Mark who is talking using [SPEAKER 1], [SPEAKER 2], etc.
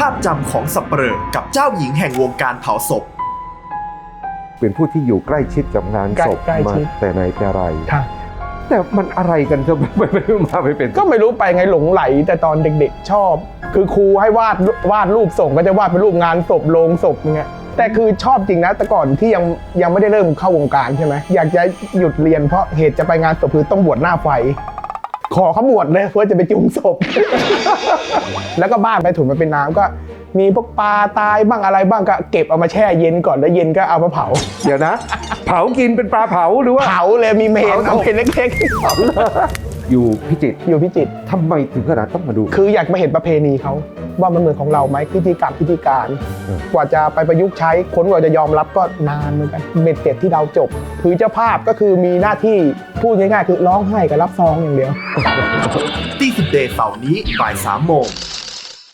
[SPEAKER 1] าพจำของสัปเหร่อกับเจ้าหญิงแห่งวงการเผาศพ
[SPEAKER 2] เป็นผู้ที่อยู่ใกล้ชิดกับงานศพมาแต่ไหนแต่ไรแต่มันอะไรกันจะไม่มาไม่เป็น
[SPEAKER 3] ก็ไม่รู้ไปไงหลงไหลแต่ตอนเด็กๆชอบ คือครูให้วาดรูปส่งก็จะวาดเป็นรูปงานศพโลงศพอย่างเงี้ยแต่คือชอบจริงนะแต่ก่อนที่ยังไม่ได้เริ่มเข้าวงการใช่ไหมอยากจะหยุดเรียนเพราะเหตุจะไปงานศพคือต้องบวชหน้าไฟขอเขาบวชเลยเพื่อจะไปจุงศพ แล้วก็บ้านไปถุนมาเป็นน้ำก็มีพวกปลาตายบ้างอะไรบ้างก็เก็บเอามาแช่เย็นก่อนแล้วเย็นก็เอามาเผา
[SPEAKER 2] เดี๋ยวนะเผากินเป็นปลาเผาหรือว่า
[SPEAKER 3] เผาเลยมีเมนเอาเป็นเล็ก
[SPEAKER 2] ๆอยู่พิจิตรทำไมถึงขนาดต้องมาดู
[SPEAKER 3] คืออยากมาเห็นประเพณีเขาว่ามันเหมือนของเราไหมพิธีการกว่าจะไปประยุกต์ใช้คนกว่าจะยอมรับก็นานเหมือนกันเบ็ดเสร็จที่เราจบคือเจ้าภาพก็คือมีหน้าที่พูดง่ายๆคือร้องไห้กับรับซองอย่างเดียว
[SPEAKER 1] ตีสิบเดย์เสาร์นี้บ่าย 3 โมง